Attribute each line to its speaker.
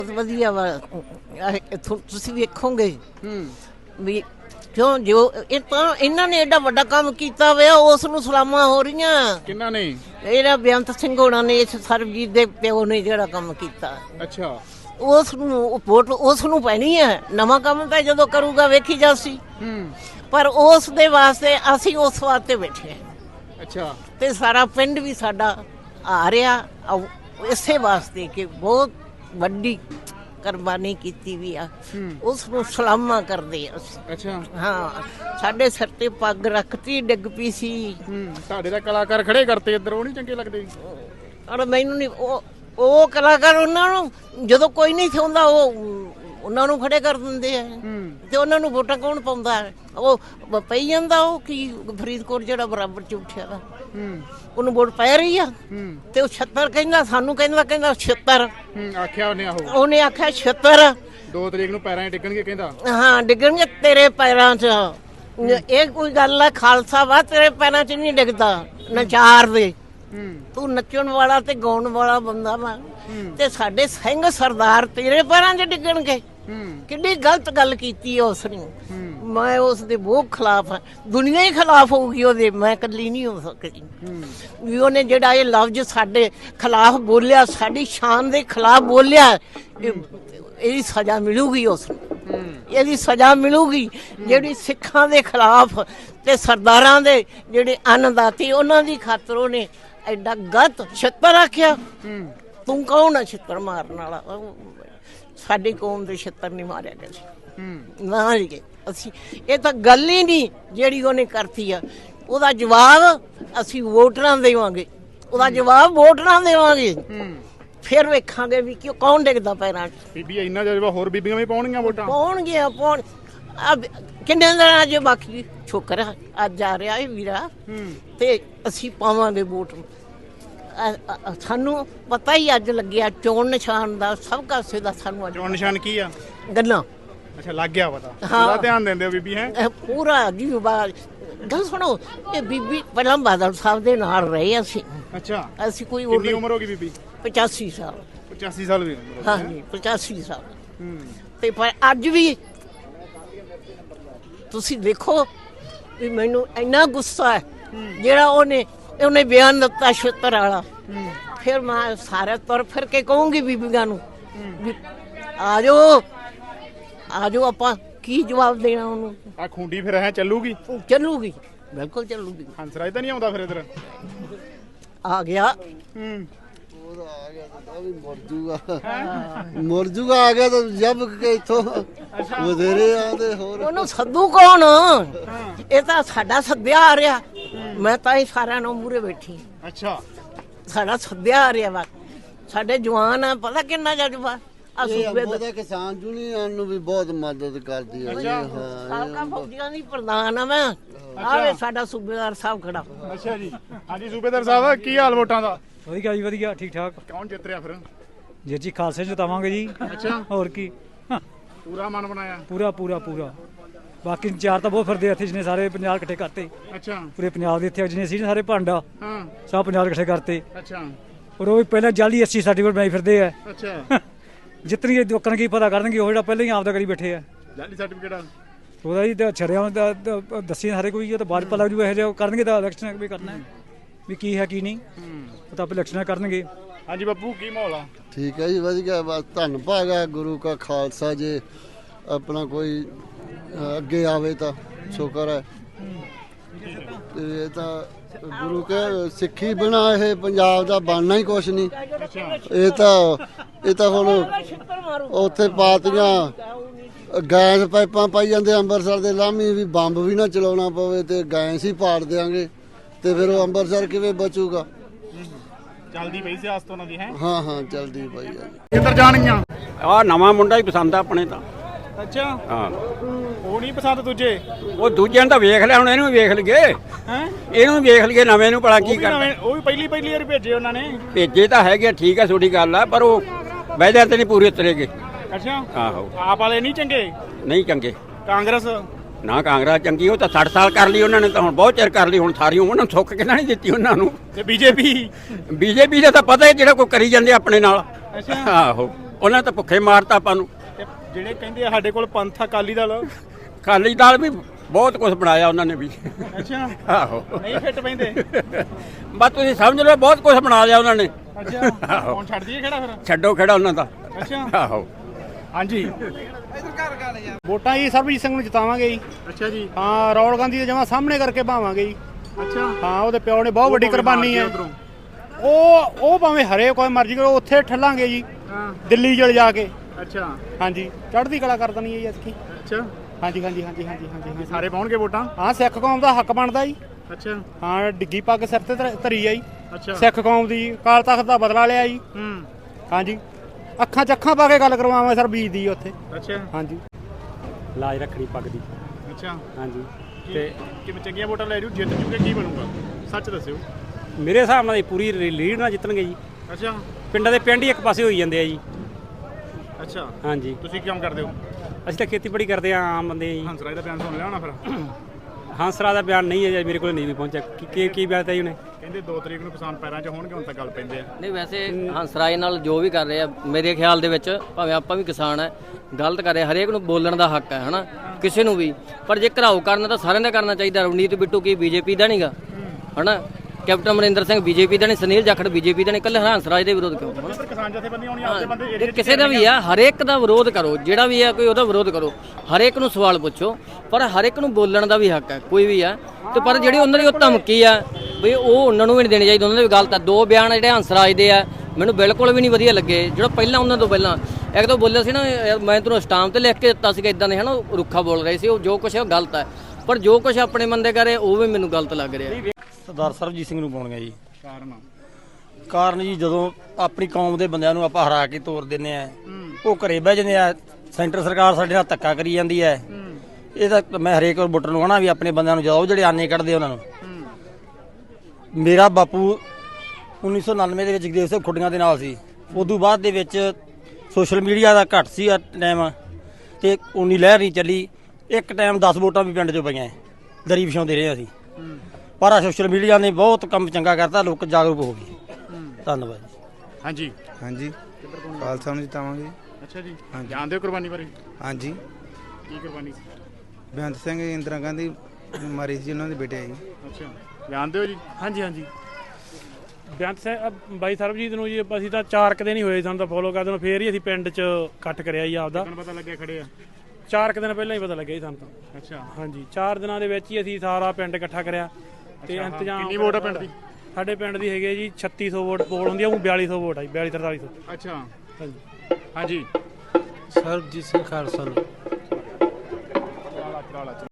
Speaker 1: ਵਧੀਆ ਵਾ ਤੁਸੀਂ ਵੇਖੋਗੇ ਵੀ ਕਿਉਂ ਜੋ ਇਹ ਤਾਂ ਇਹਨਾਂ ਨੇ ਐਡਾ ਵੱਡਾ ਕੰਮ ਕੀਤਾ ਵੇ ਉਸ ਨੂੰ ਸਲਾਮਾਂ ਹੋ ਰਹੀਆਂ।
Speaker 2: ਕਿੰਨਾ ਨੇ?
Speaker 1: ਇਹਦਾ ਬੇਅੰਤ ਸਿੰਘ ਹੋਣਾ ਨੇ, ਇਸ ਸਰਬਜੀਤ ਦੇ ਪਿਓ ਨੇ ਜਿਹੜਾ ਕੰਮ ਕੀਤਾ।
Speaker 2: ਅੱਛਾ,
Speaker 1: ਉਸ ਨੂੰ ਵੋਟ ਉਸ ਨੂੰ ਪੈਣੀ ਹੈ। ਨਵਾਂ ਕੰਮ ਤਾਂ ਜਦੋਂ ਕਰੂਗਾ ਵੇਖੀ ਜਾਸੀ, ਪਰ ਉਸ ਦੇ ਵਾਸਤੇ ਅਸੀਂ ਉਸ ਵਾਸਤੇ ਬੈਠੇ ਹਾਂ।
Speaker 2: ਅੱਛਾ,
Speaker 1: ਤੇ ਸਾਰਾ ਪਿੰਡ ਵੀ ਸਾਡਾ ਆ ਰਿਹਾ ਇਸੇ ਵਾਸਤੇ ਕਿ ਬਹੁਤ ਵੱਡੀ ਕੁਰਬਾਨੀ ਕੀਤੀ ਵੀ ਆ, ਉਸ ਨੂੰ ਸਲਾਮਾਂ ਕਰਦੇ ਆ।
Speaker 2: ਅੱਛਾ,
Speaker 1: ਹਾਂ, ਸਾਡੇ ਸਿਰ ਤੇ ਪੱਗ ਰੱਖਤੀ, ਡਿੱਗ ਪਈ ਸੀ।
Speaker 2: ਤੁਹਾਡੇ ਤਾਂ ਕਲਾਕਾਰ ਖੜੇ ਕਰਤੇ ਇੱਧਰ, ਉਹ ਨਹੀਂ ਚੰਗੇ ਲੱਗਦੇ?
Speaker 1: ਔਰ ਮੈਨੂੰ ਨਹੀਂ ਉਹ ਕਲਾਕਾਰ, ਉਹਨਾਂ ਨੂੰ ਜਦੋਂ ਕੋਈ ਨਹੀਂ ਥਿਉਂਦਾ ਉਹ ਉਹਨਾਂ ਨੂੰ ਖੜੇ ਕਰ ਦਿੰਦੇ ਆ। ਤੇ ਉਹਨਾਂ ਨੂੰ ਵੋਟਾਂ ਕੌਣ ਪਾਉਂਦਾ? ਉਹ ਪਈ ਜਾਂਦਾ, ਉਹ ਕੀ ਫਰੀਦਕੋਟ ਜਿਹੜਾ ਬਰਾਬਰ ਚ ਉੱਠਿਆ ਵਾ, ਉਹਨੂੰ ਵੋਟ ਪੈ ਰਹੀ ਆ। ਤੇ ਉਹ 76 ਕਹਿੰਦਾ, ਸਾਨੂੰ ਕਹਿੰਦਾ 76
Speaker 2: ਆਖਿਆ
Speaker 1: ਉਹਨੇ ਆਖਿਆ 76
Speaker 2: 2 ਤਰੀਕ ਨੂੰ ਪੈਰਾਂ 'ਚ ਡਿੱਗਣਗੇ ਕਹਿੰਦਾ।
Speaker 1: ਹਾਂ, ਡਿੱਗਣਗੇ ਤੇਰੇ ਪੈਰਾਂ 'ਚ। ਇਹ ਕੋਈ ਗੱਲ ਆ? ਖਾਲਸਾ ਵਾ ਤੇਰੇ ਪੈਰਾਂ 'ਚ ਨਹੀਂ ਡਿੱਗਦਾ, ਨਚਾਰ ਦੇ। ਤੂੰ ਨੱਚਣ ਵਾਲਾ ਤੇ ਗਾਉਣ ਵਾਲਾ ਬੰਦਾ ਵਾ, ਤੇ ਸਾਡੇ ਸਿੰਘ ਸਰਦਾਰ ਤੇਰੇ ਪੈਰਾਂ 'ਚ ਡਿੱਗਣਗੇ? ਕਿੰਨੀ ਗਲਤ ਗੱਲ ਕੀਤੀ ਉਸ ਨੇ। ਮੈਂ ਉਸ ਦੇ ਬਹੁਤ ਖਿਲਾਫ ਹਾਂ, ਦੁਨੀਆ ਹੀ ਖਿਲਾਫ ਹੋਊਗੀ ਉਹਦੇ, ਮੈਂ ਇਕੱਲੀ ਨਹੀਂ ਹੋ ਸਕਦੀ। ਵੀ ਉਹਨੇ ਜਿਹੜਾ ਇਹ ਲਫ਼ਜ਼ ਸਾਡੇ ਖਿਲਾਫ ਬੋਲਿਆ, ਸਾਡੀ ਸ਼ਾਨ ਦੇ ਖਿਲਾਫ ਬੋਲਿਆ, ਇਹਦੀ ਸਜ਼ਾ ਮਿਲੂਗੀ ਉਸ ਨੂੰ। ਇਹਦੀ ਸਜ਼ਾ ਮਿਲੂਗੀ ਜਿਹੜੀ ਸਿੱਖਾਂ ਦੇ ਖਿਲਾਫ ਤੇ ਸਰਦਾਰਾਂ ਦੇ ਜਿਹੜੇ ਅੰਨਦਾਤੀ ਉਹਨਾਂ ਦੀ ਖਾਤਰ ਉਹਨੇ ਐਡਾ ਗਲਤ 76 ਆਖਿਆ। ਤੂੰ ਕੌਣ ਆ ਛਿੱਤਰ ਮਾਰਨ ਵਾਲਾ? ਸਾਡੀ ਕੌਮ ਦੇ ਛਿੱਤਰ ਨਹੀਂ ਮਾਰਿਆ ਗਿਆ ਸੀ ਨਾ ਜੀ। ਅਸੀਂ ਇਹ ਤਾਂ ਗੱਲ ਹੀ ਨਹੀਂ ਜਿਹੜੀ ਉਹਨੇ ਕਰਤੀ ਆ। ਉਹਦਾ ਜਵਾਬ ਅਸੀਂ ਵੋਟਰਾਂ ਦੇਵਾਂਗੇ, ਉਹਦਾ ਜਵਾਬ ਵੋਟਰਾਂ ਦੇਵਾਂਗੇ। ਫਿਰ ਵੇਖਾਂਗੇ ਵੀ ਕਿਉਂ ਕੌਣ ਡਿੱਗਦਾ ਪੈਰਾਂ 'ਚ।
Speaker 2: ਬੀਬੀ ਇੰਨਾ ਜਜ਼ਬਾ, ਹੋਰ ਬੀਬੀਆਂ ਵੀ ਪਾਉਣਗੀਆਂ ਵੋਟਾਂ?
Speaker 1: ਪਾਉਣਗੀਆਂ। ਕਿੰਨੇ ਦਿਨਾਂ ਅੱਜ ਬਾਕੀ ਛੋਕਰ ਅੱਜ ਆ ਰਿਹਾ ਇਹ ਵੀਰਾ, ਤੇ ਅਸੀਂ ਪਾਵਾਂਗੇ ਵੋਟ। ਸਾਨੂੰ ਪਤਾ ਹੀ ਅੱਜ ਲੱਗਿਆ ਚੋਣ ਨਿਸ਼ਾਨ ਦਾ, ਸਭ ਕਾਸੇ ਦਾ ਸਾਨੂੰ ਅੱਜ।
Speaker 2: ਚੋਣ ਨਿਸ਼ਾਨ ਕੀ ਆ? ਗੱਲਾਂ। ਅੱਛਾ, ਲੱਗ ਗਿਆ ਪਤਾ। ਪੂਰਾ ਧਿਆਨ ਦਿੰਦੇ ਹੋ ਬੀਬੀ? ਹੈ
Speaker 1: ਪੂਰਾ ਜੀ। ਗੱਲ ਸੁਣੋ, ਇਹ ਬੀਬੀ ਪਹਿਲਾਂ ਬਾਦਲ ਸਾਹਿਬ ਦੇ ਨਾਲ ਰਹੇ ਅਸੀਂ।
Speaker 2: ਅੱਛਾ,
Speaker 1: ਅਸੀਂ ਕੋਈ
Speaker 2: ਕਿੰਨੀ ਉਮਰ ਹੋ ਗਈ ਬੀਬੀ?
Speaker 1: 85 ਸਾਲ।
Speaker 2: 85 ਸਾਲ ਵੀ?
Speaker 1: ਹਾਂਜੀ, 85 ਸਾਲ। ਤੇ ਪਰ ਅੱਜ ਵੀ ਤੁਸੀਂ ਦੇਖੋ ਵੀ ਮੈਨੂੰ ਇੰਨਾ ਗੁੱਸਾ ਹੈ ਜਿਹੜਾ ਉਹਨੇ ਬਿਆਨ ਦਿੱਤਾ 76 ਵਾਲਾ। ਫਿਰ ਮੈਂ ਸਾਰੇ ਤੁਰ ਫਿਰ ਕੇ ਕਹੂੰਗੀ ਬੀਬੀਆਂ ਨੂੰ ਵੀ ਆ ਜਾਓ ਆਪਾਂ ਕੀ ਜਵਾਬ ਦੇਣਾ ਉਹਨੂੰ।
Speaker 2: ਆ ਖੁੰਡੀ ਫਿਰ ਹੈ ਚੱਲੂਗੀ?
Speaker 1: ਚੱਲੂਗੀ, ਬਿਲਕੁਲ ਚੱਲੂਗੀ।
Speaker 2: ਹੰਸਰਾਜ ਤਾਂ ਨਹੀਂ ਆਉਂਦਾ ਫਿਰ ਇੱਧਰ?
Speaker 1: ਆ ਗਿਆ।
Speaker 3: ਮੁਰ ਜੂਗਾ ਆ ਗਿਆ ਤਾਂ ਜਬ ਕੇ ਇਥੋਂ ਵਧੇਰੇ ਆਉਂਦੇ। ਹੋਰ
Speaker 1: ਉਹਨੂੰ ਸੱਦੂ ਕੌਣ? ਇਹ ਤਾਂ ਸਾਡਾ ਸੱਦਿਆ ਆ ਰਿਹਾ। ਮੈਂ ਤਾਂ ਹੀ ਸਾਰਿਆਂ ਨੂੰ ਮੂਹਰੇ ਬੈਠੀ।
Speaker 2: ਅੱਛਾ,
Speaker 1: ਸਾਡਾ ਸੱਦਿਆ ਆ ਰਿਹਾ ਵਾ। ਸਾਡੇ ਜਵਾਨ ਆ, ਪਤਾ ਕਿੰਨਾ ਜਜ਼ਬਾ। ਆ ਸੂਬੇ ਦਾ
Speaker 3: ਕਿਸਾਨ ਯੂਨੀਅਨ ਨੂੰ ਵੀ ਬਹੁਤ ਮਦਦ ਕਰਦੀ ਹੈ।
Speaker 1: ਸਾਲਕਾ ਫੌਜੀਆਂ ਦੀ ਪ੍ਰਧਾਨ ਆ ਮੈਂ। ਆਵੇ ਸਾਡਾ ਸੂਬੇਦਾਰ ਸਾਹਿਬ ਖੜਾ।
Speaker 2: ਅੱਛਾ ਜੀ। ਹਾਂਜੀ ਸੂਬੇਦਾਰ ਸਾਹਿਬ, ਕੀ ਹਾਲ ਵੋਟਾਂ ਦਾ?
Speaker 4: ਵਧੀਆ ਜੀ, ਵਧੀਆ, ਠੀਕ ਠਾਕ।
Speaker 2: ਕੌਣ ਜਿੱਤ ਰਿਹਾ ਫਿਰ?
Speaker 4: ਜੀ ਖਾਲਸੇ ਜਿਤਾਵਾਂਗੇ ਜੀ।
Speaker 2: ਅੱਛਾ,
Speaker 4: ਹੋਰ ਕੀ,
Speaker 2: ਪੂਰਾ ਮਨ ਬਣਾਇਆ?
Speaker 4: ਪੂਰਾ। ਬਾਕੀ ਚਾਰ ਤਾਂ ਬਹੁਤ ਫਿਰਦੇ ਇੱਥੇ, ਜਿਹਨੇ ਸਾਰੇ ਪੰਜਾਬ ਇਕੱਠੇ ਕਰਤੇ।
Speaker 2: ਅੱਛਾ,
Speaker 4: ਪੂਰੇ ਪੰਜਾਬ ਦੇ ਇੱਥੇ ਜਿਹਨੇ ਸੀ ਸਾਰੇ ਭਾਂਡਾ ਸਭ ਪੰਜਾਬ ਇਕੱਠੇ ਕਰਤੇ।
Speaker 2: ਅੱਛਾ,
Speaker 4: ਔਰ ਉਹ ਪਹਿਲਾਂ ਜਾਲੀ 80 ਸਰਟੀਫਿਕੇਟ ਬਣਾਈ ਫਿਰਦੇ ਆ।
Speaker 2: ਅੱਛਾ,
Speaker 4: ਜਿੱਤਣੀ ਲੋਕਾਂ ਨੂੰ ਕੀ ਪਤਾ ਕਰਨਗੇ, ਉਹ ਜਿਹੜਾ ਪਹਿਲਾਂ ਹੀ ਆਪਦਾ ਕਰੀ ਬੈਠੇ ਆ।
Speaker 2: ਜਾਲੀ ਸਰਟੀਫਿਕੇਟ
Speaker 4: ਉਹਦਾ ਜੀ ਛੜਿਆ ਦੱਸੀ ਸਾਰੇ ਕੋਈ, ਤਾਂ ਬਾਅਦ ਪਤਾ ਲੱਗ ਜੂ ਇਹੋ ਜਿਹਾ ਕਰਨਗੇ ਤਾਂ ਇਲੈਕਸ਼ਨ ਵੀ ਕਰਨਾ ਵੀ ਕੀ ਹੈ ਕੀ ਨਹੀਂ, ਉਹ ਤਾਂ ਇਲੈਕਸ਼ਨ ਕਰਨਗੇ।
Speaker 2: ਹਾਂਜੀ ਬੱਬੂ, ਕੀ ਮਾਹੌਲ ਆ?
Speaker 3: ਠੀਕ ਹੈ ਜੀ, ਵਧੀਆ। ਬਸ ਧੰਨ ਭਾਗ ਹੈ ਗੁਰੂ ਕਾ ਖਾਲਸਾ। ਜੇ ਆਪਣਾ ਕੋਈ ਅੱਗੇ ਆਵੇ ਤਾਂ ਸ਼ੁਕਰ ਹੈ। ਤੇ ਇਹ ਤਾਂ ਗੁਰੂ ਕੇ ਸਿੱਖੀ ਬਣਾ, ਇਹ ਪੰਜਾਬ ਦਾ ਬਣਨਾ ਹੀ ਕੁਛ ਨਹੀਂ। ਇਹ ਤਾਂ ਹੁਣ ਉੱਥੇ ਪਾਤੀਆਂ ਗੈਸ ਪਾਈਪਾਂ ਪਾਈ ਜਾਂਦੇ ਅੰਮ੍ਰਿਤਸਰ ਦੇ ਲਾਮੀ ਵੀ, ਬੰਬ ਵੀ ਨਾ ਚਲਾਉਣਾ ਪਵੇ ਤੇ ਗੈਸ ਹੀ ਪਾੜ ਦਿਆਂਗੇ, ਤੇ ਫਿਰ ਉਹ ਅੰਮ੍ਰਿਤਸਰ ਕਿਵੇਂ ਬਚੂਗਾ?
Speaker 2: ਚੱਲਦੀ ਪਈ ਸਿਆਸਤ ਉਹਨਾਂ ਦੀ। ਹੈ
Speaker 3: ਹਾਂ ਚੱਲਦੀ ਪਈ ਹੈ।
Speaker 2: ਕਿੱਧਰ ਜਾਣਗੀਆਂ?
Speaker 5: ਆ ਨਵਾਂ ਮੁੰਡਾ ਹੀ ਪਸੰਦ ਆ ਆਪਣੇ ਤਾਂ।
Speaker 2: ਅੱਛਾ,
Speaker 5: ਹਾਂ।
Speaker 2: ਉਹ ਨਹੀਂ ਪਸੰਦ ਦੂਜੇ?
Speaker 5: ਉਹ ਦੂਜਿਆਂ ਨੂੰ ਤਾਂ ਵੇਖ ਲਿਆ, ਹੁਣ ਇਹਨੂੰ ਵੀ ਵੇਖ ਲਈਏ।
Speaker 2: ਹੈ
Speaker 5: ਇਹਨੂੰ ਵੀ ਵੇਖ ਲਈਏ, ਨਵੇਂ ਨੂੰ ਭਲਾ ਕੀ ਕਰਨਾ।
Speaker 2: ਉਹ ਵੀ ਪਹਿਲੀ ਵਾਰ ਭੇਜੇ ਉਹਨਾਂ ਨੇ।
Speaker 5: ਭੇਜੇ ਤਾਂ ਹੈਗੇ, ਠੀਕ ਹੈ, ਤੁਹਾਡੀ ਗੱਲ ਆ, ਪਰ ਉਹ ਵੈਦਰ ਤੇ ਨਹੀਂ ਪੂਰੇ ਉਤਰੇਗੇ।
Speaker 2: ਅੱਛਾ,
Speaker 5: ਆਹੋ।
Speaker 2: ਆਪ ਵਾਲੇ ਨਹੀਂ ਚੰਗੇ?
Speaker 5: ਨਹੀਂ ਚੰਗੇ।
Speaker 2: ਕਾਂਗਰਸ
Speaker 5: ਨਾ ਕਾਂਗਰਸ ਚੰਗੀ, ਉਹ ਤਾਂ 60 ਸਾਲ ਕਰ ਲਈ ਉਹਨਾਂ ਨੇ, ਤਾਂ ਹੁਣ ਬਹੁਤ ਚਿਰ ਕਰ ਲਈ। ਹੁਣ ਸਾਰੀ ਉਮਰ ਨੂੰ ਸੁੱਖ ਕਿਹਨਾਂ ਨਹੀਂ ਦਿੱਤੀ ਉਹਨਾਂ ਨੂੰ।
Speaker 2: ਤੇ ਬੀਜੇਪੀ
Speaker 5: ਦਾ ਤਾਂ ਪਤਾ ਹੀ ਜਿਹੜਾ ਕੋਈ ਕਰੀ ਜਾਂਦੇ ਆਪਣੇ ਨਾਲ।
Speaker 2: ਅੱਛਾ,
Speaker 5: ਆਹੋ। ਉਹਨਾਂ ਤਾਂ ਭੁੱਖੇ ਮਾਰਤਾ ਆਪਾਂ ਨੂੰ।
Speaker 2: ਤੇ ਜਿਹੜੇ ਕਹਿੰਦੇ ਆ ਸਾਡੇ ਕੋਲ ਪੰਥ ਅਕਾਲੀ ਦਲ,
Speaker 5: ਅਕਾਲੀ ਦਲ ਵੀ ਬਹੁਤ ਕੁਝ ਬਣਾਇਆ ਉਹਨਾਂ ਨੇ ਵੀ।
Speaker 2: ਅੱਛਾ
Speaker 5: ਆਹੋ
Speaker 2: ਨਹੀਂ ਫਿੱਟ ਪੈਂਦੇ।
Speaker 5: ਬਸ ਤੁਸੀਂ ਸਮਝ ਲਓ ਬਹੁਤ ਕੁਝ ਬਣਾ ਲਿਆ ਉਹਨਾਂ ਨੇ।
Speaker 2: ਅੱਛਾ ਹੁਣ ਛੱਡ ਦਈਏ ਖੜਾ ਫਿਰ।
Speaker 5: ਛੱਡੋ ਖੜਾ ਉਹਨਾਂ ਦਾ।
Speaker 2: ਅੱਛਾ
Speaker 5: ਆਹੋ
Speaker 2: ਹਾਂਜੀ ਵੋਟਾਂ ਜੀ ਸਰਬਜੀਤ ਸਿੰਘ ਨੂੰ ਜਿਤਾਵਾਂਗੇ ਜੀ। ਅੱਛਾ ਜੀ ਹਾਂ ਰਾਹੁਲ ਗਾਂਧੀ ਦੇ ਜਮਾਂ ਸਾਹਮਣੇ ਕਰਕੇ ਭਾਵਾਂਗੇ ਜੀ। ਅੱਛਾ ਹਾਂ ਉਹਦੇ ਪਿਓ ਨੇ ਬਹੁਤ ਵੱਡੀ ਕੁਰਬਾਨੀ ਹੈ। ਉਹ ਭਾਵੇਂ ਹਰੇ ਕੋਈ ਮਰਜ਼ੀ ਕਰੋ ਉੱਥੇ ਠੱਲਾਂਗੇ ਜੀ। ਦਿੱਲੀ ਚਲ ਜਾ ਕੇ। ਅੱਛਾ ਹਾਂਜੀ ਚੜ੍ਹਦੀ ਕਲਾ ਕਰ ਦੇਣੀ ਹੈ ਜੀ ਐਤਕੀ। ਅੱਛਾ ਹਾਂਜੀ ਹਾਂਜੀ ਹਾਂਜੀ ਹਾਂਜੀ ਹਾਂਜੀ ਸਾਰੇ ਪਾਉਣਗੇ ਵੋਟਾਂ। ਹਾਂ ਸਿੱਖ ਕੌਮ ਦਾ ਹੱਕ ਬਣਦਾ ਜੀ। ਅੱਛਾ ਹਾਂ ਡਿੱਗੀ ਪੱਗ ਸਿਰ ਤੇ ਧਰੀ ਆ ਜੀ। ਅੱਛਾ ਸਿੱਖ ਕੌਮ ਦੀ ਕਾਲ ਤਖਤ ਦਾ ਬਦਲਾ ਲਿਆ ਜੀ। ਹਾਂਜੀ ਅੱਖਾਂ 'ਚ ਅੱਖਾਂ ਪਾ ਕੇ ਗੱਲ ਕਰਵਾਵਾਂ ਸਰ ਬੀਜ ਦੀ ਉੱਥੇ। ਅੱਛਾ ਹਾਂਜੀ
Speaker 6: ਲਾਜ ਰੱਖਣੀ ਪੱਗ ਦੀ।
Speaker 2: ਅੱਛਾ
Speaker 6: ਹਾਂਜੀ
Speaker 2: ਤੇ ਕਿਵੇਂ ਚੰਗੀਆਂ ਵੋਟਾਂ ਲੈ ਜੂ ਜਿੱਤ ਜੂਗੇ ਕੀ ਬਣੂਗਾ ਸੱਚ ਦੱਸਿਓ।
Speaker 6: ਮੇਰੇ ਹਿਸਾਬ ਨਾਲ ਪੂਰੀ ਲੀਡ ਨਾਲ ਜਿੱਤਣਗੇ ਜੀ।
Speaker 2: ਅੱਛਾ
Speaker 6: ਪਿੰਡਾਂ ਦੇ ਪਿੰਡ ਹੀ ਇੱਕ ਪਾਸੇ ਹੋਈ ਜਾਂਦੇ ਆ ਜੀ।
Speaker 2: ਅੱਛਾ
Speaker 6: ਹਾਂਜੀ
Speaker 2: ਤੁਸੀਂ ਕੀ ਕੰਮ ਕਰਦੇ ਹੋ?
Speaker 6: ਅਸੀਂ ਤਾਂ ਖੇਤੀਬਾੜੀ ਕਰਦੇ ਆ ਆਮ ਬੰਦੇ ਜੀ।
Speaker 2: ਹੰਸਰਾਜ ਦਾ ਬਿਆਨ ਸੁਣ ਲਿਆ ਹੋਣਾ ਫਿਰ।
Speaker 6: ਹੰਸਰਾਜ ਦਾ ਬਿਆਨ ਨਹੀਂ ਹੈ ਜੀ ਮੇਰੇ ਕੋਲ ਨਹੀਂ ਵੀ ਪਹੁੰਚਿਆ। ਕੀ ਬਿਆਨ ਤਾਂ ਜੀ ਉਹਨੇ
Speaker 2: ਕਹਿੰਦੇ 2 ਤਰੀਕ ਨੂੰ ਕਿਸਾਨ ਪੈਰਾਂ 'ਚ ਹੋਣਗੇ ਹੁਣ ਤਾਂ ਗੱਲ ਪੈਂਦੇ ਆ।
Speaker 7: ਨਹੀਂ ਵੈਸੇ ਹੰਸਰਾਜ ਨਾਲ ਜੋ ਵੀ ਕਰ ਰਹੇ ਆ ਮੇਰੇ ਖਿਆਲ ਦੇ ਵਿੱਚ ਭਾਵੇਂ ਆਪਾਂ ਵੀ ਕਿਸਾਨ ਹੈ ਗਲਤ ਕਰ ਰਹੇ ਹਰੇਕ ਨੂੰ ਬੋਲਣ ਦਾ ਹੱਕ ਹੈ ਹਨਾ ਕਿਸੇ ਨੂੰ ਵੀ ਪਰ ਜੇ ਘਰਾਓ ਕਰਨਾ ਤਾਂ ਸਾਰਿਆਂ ਦਾ ਕਰਨਾ ਚਾਹੀਦਾ। ਰਵਨੀਤ ਬਿੱਟੂ ਕੀ ਬੀਜੇਪੀ ਦਾ ਨਹੀਂਗਾ ਹਨਾ ਕੈਪਟਨ ਅਮਰਿੰਦਰ ਸਿੰਘ ਬੀਜੇਪੀ ਦਾ ਨਹੀਂ ਸੁਨੀਲ ਜਾਖੜ ਬੀਜੇਪੀ ਦਾ ਨਹੀਂ ਇਕੱਲੇ ਹੰਸਰਾਜ ਦੇ ਵਿਰੋਧ ਕਿਉਂ
Speaker 2: ਪਰ ਕਿਸਾਨ ਜਥੇਬੰਦੀਆਂ ਹੋਣੀਆਂ ਆਪਦੇ ਬੰਦੇ
Speaker 7: ਕਿਸੇ ਦਾ ਵੀ ਆ ਹਰੇਕ ਦਾ ਵਿਰੋਧ ਕਰੋ ਜਿਹੜਾ ਵੀ ਆ ਕੋਈ ਉਹਦਾ ਵਿਰੋਧ ਕਰੋ ਹਰੇਕ ਨੂੰ ਸਵਾਲ ਪੁੱਛੋ ਪਰ ਹਰੇਕ ਨੂੰ ਬੋਲਣ ਦਾ ਵੀ ਹੱਕ ਹੈ ਕੋਈ ਵੀ ਆ ਤੇ ਪਰ ਜਿਹੜੀ ਉਹਨਾਂ ਦੀ ਉਹ ਧਮਕੀ ਆ ਵੀ ਉਹ ਉਹਨਾਂ ਨੂੰ ਵੀ ਨਹੀਂ ਦੇਣੀ ਚਾਹੀਦੀ। ਉਹਨਾਂ ਦੇ ਵੀ ਗਲਤ ਆ। 2 ਬਿਆਨ ਜਿਹੜੇ ਹੰਸਰਾਜ ਦੇ ਆ ਮੈਨੂੰ ਬਿਲਕੁਲ ਵੀ ਨਹੀਂ ਵਧੀਆ ਲੱਗੇ। ਜਿਹੜਾ ਪਹਿਲਾਂ ਉਹਨਾਂ ਤੋਂ ਪਹਿਲਾਂ ਇੱਕ ਤਾਂ ਬੋਲਿਆ ਸੀ ਨਾ ਮੈਂ ਤੁਹਾਨੂੰ ਸਟਾਂਪ ਤੇ ਲਿਖ ਕੇ ਦਿੱਤਾ ਸੀਗਾ ਇਦਾਂ ਦੇ ਹਨਾ ਰੁੱਖਾ ਬੋਲ ਰਹੇ ਸੀ ਉਹ ਜੋ ਕੁਛ ਹੈ ਉਹ ਗਲਤ ਹੈ ਪਰ ਜੋ ਕੁਛ ਆਪਣੇ ਬੰਦੇ ਕਰੇ ਉਹ ਵੀ ਮੈਨੂੰ ਗਲਤ ਲੱਗ ਰਿਹਾ।
Speaker 8: ਸਰਦਾਰ ਸਰਬਜੀਤ ਸਿੰਘ ਨੂੰ ਪਾਉਣਗੇ ਜੀ। ਕਾਰਨ ਜੀ ਜਦੋਂ ਆਪਣੀ ਕੌਮ ਦੇ ਬੰਦਿਆਂ ਨੂੰ ਆਪਾਂ ਹਰਾ ਕੇ ਤੋਰ ਦਿੰਨੇ ਆ ਉਹ ਘਰੇ ਬਹਿ ਜਾਂਦੇ ਆ। ਸੈਂਟਰ ਸਰਕਾਰ ਸਾਡੇ ਨਾਲ ਧੱਕਾ ਕਰੀ ਜਾਂਦੀ ਹੈ। ਇਹ ਤਾਂ ਮੈਂ ਹਰੇਕ ਵੋਟਰ ਨੂੰ ਕਹਣਾ ਵੀ ਆਪਣੇ ਬੰਦਿਆਂ ਨੂੰ ਜਾਓ ਜਿਹੜੇ ਆਨੇ ਕੱਢਦੇ ਉਹਨਾਂ ਨੂੰ। ਮੇਰਾ ਬਾਪੂ 1999 ਦੇ ਵਿੱਚ ਜਗਦੇਵ ਸਿੰਘ ਖੁੱਡੀਆਂ ਦੇ ਨਾਲ ਸੀ। ਉਦੋਂ ਬਾਅਦ ਦੇ ਵਿੱਚ ਸੋਸ਼ਲ ਮੀਡੀਆ ਦਾ ਘੱਟ ਸੀ ਟਾਈਮ ਤੇ ਉਨੀ ਲਹਿਰ ਨਹੀਂ ਚੱਲੀ। ਇੱਕ ਟਾਈਮ 10 ਵੋਟਾਂ ਵੀ ਪਿੰਡ 'ਚੋਂ ਪਈਆਂ ਦਰੀ ਵਿਛਾਉਂਦੇ ਰਹੇ ਅਸੀਂ ਪਰ ਆ ਸੋਸ਼ਲ ਮੀਡੀਆ ਨੇ ਬਹੁਤ ਕੰਮ ਚੰਗਾ ਕਰਤਾ ਲੋਕ ਜਾਗਰੂਕ ਹੋ ਗਏ। ਧੰਨਵਾਦ ਜੀ।
Speaker 2: ਹਾਂਜੀ
Speaker 9: ਹਾਂਜੀ ਖਾਲਸਾ ਨੂੰ ਜਿਤਾਵਾਂਗੇ।
Speaker 2: ਅੱਛਾ ਜੀ ਜਾਣਦੇ ਹੋ ਕੁਰਬਾਨੀ ਬਾਰੇ?
Speaker 9: ਹਾਂਜੀ
Speaker 2: ਕੀ ਕੁਰਬਾਨੀ?
Speaker 9: ਬੇਅੰਤ ਸਿੰਘ ਇੰਦਰਾ ਗਾਂਧੀ ਮਾਰੀ ਸੀ ਉਹਨਾਂ ਦੇ ਬੇਟੇ ਆ ਜੀ।
Speaker 2: ਅੱਛਾ ਜਾਣਦੇ ਹੋ ਜੀ?
Speaker 10: ਹਾਂਜੀ ਹਾਂਜੀ ਬੇਅੰਤ ਸਿੰਘ ਬਾਈ ਸਰਬਜੀਤ ਨੂੰ ਜੀ ਅਸੀਂ ਤਾਂ 4 ਦਿਨ ਹੀ ਹੋਏ ਸਾਨੂੰ ਤਾਂ ਫੋਲੋ ਕਰਦੇ ਨੂੰ ਫੇਰ ਹੀ ਅਸੀਂ ਪਿੰਡ 'ਚ ਇਕੱਠ ਕਰਿਆ ਜੀ ਆਪਦਾ।
Speaker 2: ਤੁਹਾਨੂੰ ਪਤਾ ਲੱਗਿਆ ਖੜੇ ਆ?
Speaker 10: 4 ਦਿਨ ਪਹਿਲਾਂ ਹੀ ਪਤਾ ਲੱਗਿਆ ਜੀ ਸਾਨੂੰ ਤਾਂ।
Speaker 2: ਅੱਛਾ
Speaker 10: ਹਾਂਜੀ 4 ਦਿਨਾਂ ਦੇ ਵਿੱਚ ਹੀ ਅਸੀਂ ਸਾਰਾ ਪਿੰਡ ਇਕੱਠਾ ਕਰਿਆ ਤੇ ਇੰਤਜ਼ਾਮ।
Speaker 2: ਕਿੰਨੀ ਵੋਟ ਆ ਪਿੰਡ ਦੀ?
Speaker 10: ਸਾਡੇ ਪਿੰਡ ਦੀ ਹੈਗੀ ਜੀ 3600 ਵੋਟ ਪੋਲ ਹੁੰਦੀ ਆ ਉਹ 4200 ਵੋਟ ਆ ਜੀ 4300।
Speaker 2: ਅੱਛਾ
Speaker 10: ਹਾਂਜੀ
Speaker 2: ਹਾਂਜੀ
Speaker 9: ਸਰਬਜੀਤ ਸਿੰਘ ਖਾਲਸਾ ਨੂੰ।